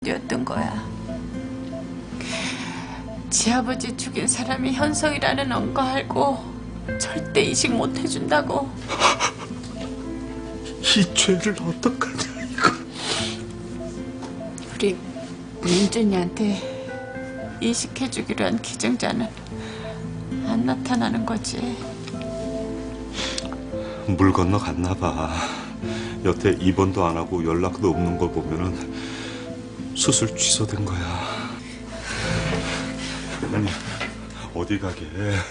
였던 거야. 지 아버지 죽인 사람이 현성이라는 거 알고 절대 이식 못 해준다고. 이 죄를 어떡하냐 이거. 우리 민준이한테 이식해주기로 한 기증자는 안 나타나는 거지. 물 건너 갔나 봐. 여태 입원도 안 하고 연락도 없는 걸 보면은 수술 취소된 거야. 아니 어디 가게?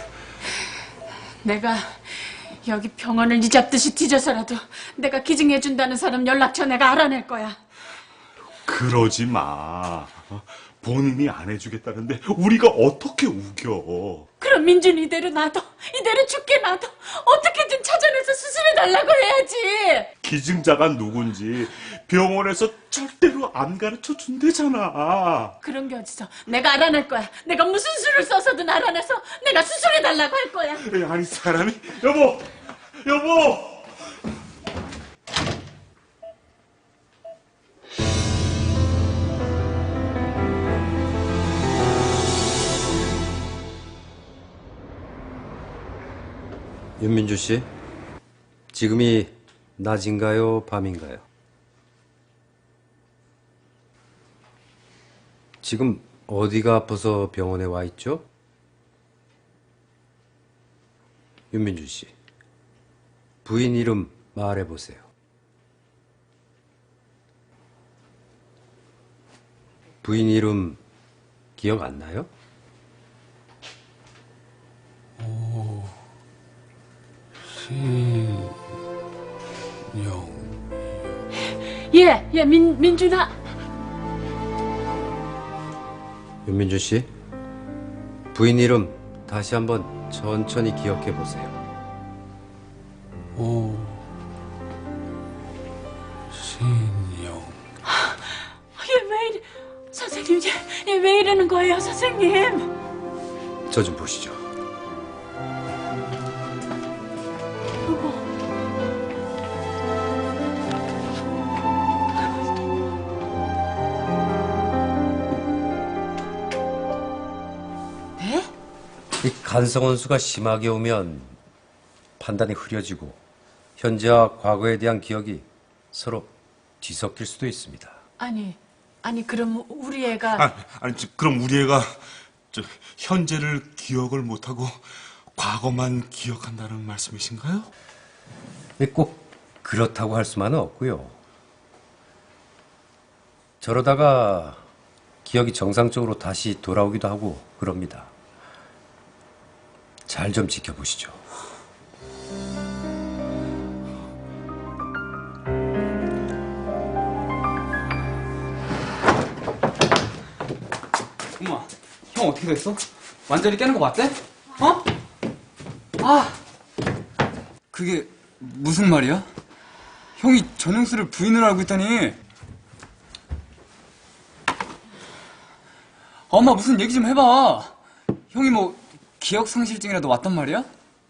내가 여기 병원을 네 잡듯이 뒤져서라도 내가 기증해준다는 사람 연락처 내가 알아낼 거야. 그러지 마. 본인이 안 해주겠다는데 우리가 어떻게 우겨? 그럼 민준이 이대로 놔둬. 이대로 죽게 놔둬. 어떻게든 찾아내서 수술해달라고 해야지. 기증자가 누군지 병원에서 절대로 안 가르쳐 준대잖아. 그런 게 어딨어. 내가 알아낼 거야. 내가 무슨 수를 써서든 알아내서 내가 수술해달라고 할 거야. 아니 사람이 여보. 윤민주 씨, 지금이 낮인가요, 밤인가요? 지금 어디가 아파서 병원에 와 있죠? 윤민주 씨, 부인 이름 말해보세요. 부인 이름 기억 안 나요? 민준아. 윤민주 씨, 부인 이름 다시 한번 천천히 기억해 보세요. 신영. 얘 왜 이래. 선생님, 얘 왜 이러는 거예요, 선생님? 저 좀 보시죠. 네? 이 간성원수가 심하게 오면 판단이 흐려지고 현재와 과거에 대한 기억이 서로 뒤섞일 수도 있습니다. 아니 그럼 우리 애가 그럼 우리 애가 현재를 기억을 못하고 과거만 기억한다는 말씀이신가요? 꼭 그렇다고 할 수만은 없고요. 저러다가 기억이 정상적으로 다시 돌아오기도 하고 그럽니다. 잘 좀 지켜보시죠. 엄마, 형 어떻게 됐어? 완전히 깨는 거 맞대? 어? 아, 그게 무슨 말이야? 형이 전영수를 부인으로 알고 있다니. 엄마 무슨 얘기 좀 해봐. 형이 뭐 기억상실증이라도 왔단 말이야?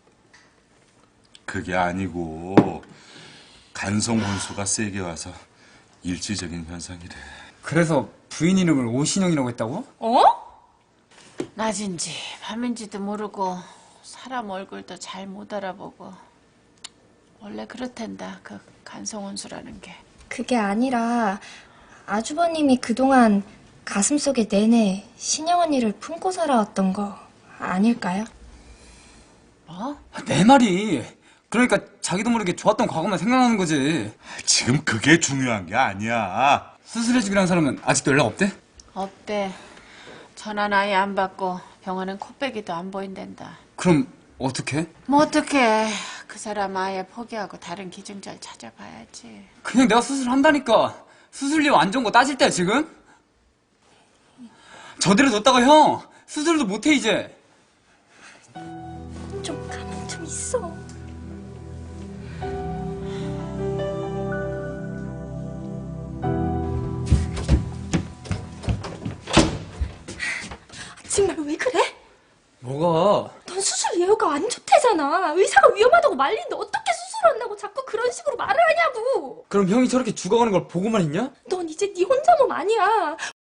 그게 아니고 간성 혼수가 세게 와서 일시적인 현상이래. 그래서 부인 이름을 오신영이라고 했다고? 어? 낮인지 밤인지도 모르고 사람 얼굴도 잘 못 알아보고 원래 그렇단다. 그 간성혼수라는 게. 그게 아니라 아주버님이 그동안 가슴속에 내내 신영 언니를 품고 살아왔던 거 아닐까요? 뭐? 내 말이. 그러니까 자기도 모르게 좋았던 과거만 생각나는 거지. 지금 그게 중요한 게 아니야. 수술해주기로 한 사람은 아직도 연락 없대? 없대. 전화는 아예 안 받고 병원은 코빼기도 안 보인댄다. 그럼 어떡해? 뭐 어떡해. 그 사람 아예 포기하고 다른 기증자를 찾아봐야지. 그냥 내가 수술한다니까. 수술료 안 좋은 거 따질 때야 지금? 저대로 뒀다가 형 수술도 못해 이제. 좀 가만 좀 있어. 정말 왜 그래? 뭐가? 넌 수술 예후가 안 좋대잖아. 의사가 위험하다고 말리는데 어떻게 수술을 안 나고 자꾸 그런 식으로 말을 하냐고. 그럼 형이 저렇게 죽어가는 걸 보고만 있냐? 넌 이제 네 혼자 몸 아니야.